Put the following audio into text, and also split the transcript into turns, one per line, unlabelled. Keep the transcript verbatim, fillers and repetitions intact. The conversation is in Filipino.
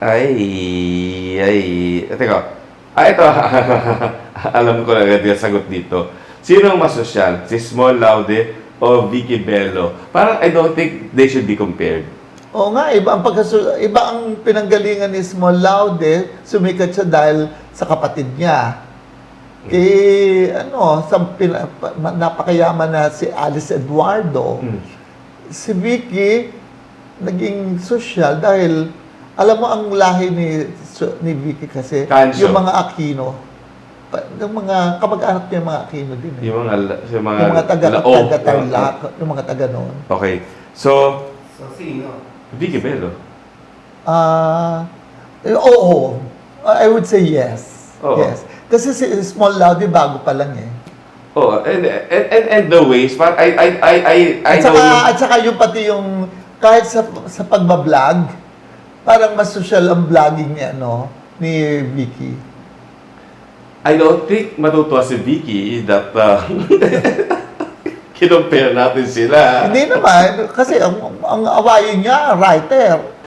Ay, ay, teka. Ah, ito, alam ko na agad yung sagot dito. Sino ang mas sosyal? Si Small Laude o Vicky Bello? Parang I don't think they should be compared.
Oo nga, iba ang, pagkasu- iba ang pinanggalingan ni Small Laude, sumikat siya dahil sa kapatid niya. Eh, ano, sa pina, pa- ma- napakayaman na si Alice Eduardo.
Hmm.
Si Vicky, naging sosyal dahil, alam mo ang lahi ni, so- ni Vicky kasi,
Cancio.
yung mga Aquino, pa- yung mga kamag-anak niya, yung mga Aquino din. Eh.
Yung mga, yung mga,
Yung mga taga,
Lao.
taga Tarlac, yung mga taga noon.
Okay. So,
So, sino?
Vicky Bello.
Ah, eh, oo. I would say yes.
Oo.
Yes. Kasi si Small Laude bago pa lang eh.
Oh, and, and, and, and the ways, but I, I, I, I, I
At
know
saka,
yung-
at saka yung pati yung kahit sa sa pagbablog, parang mas social ang vlogging ni ano ni Vicky.
I don't think matutuwa si Vicky that uh, kinompare natin sila.
Hindi naman kasi ang, ang awayin niya writer.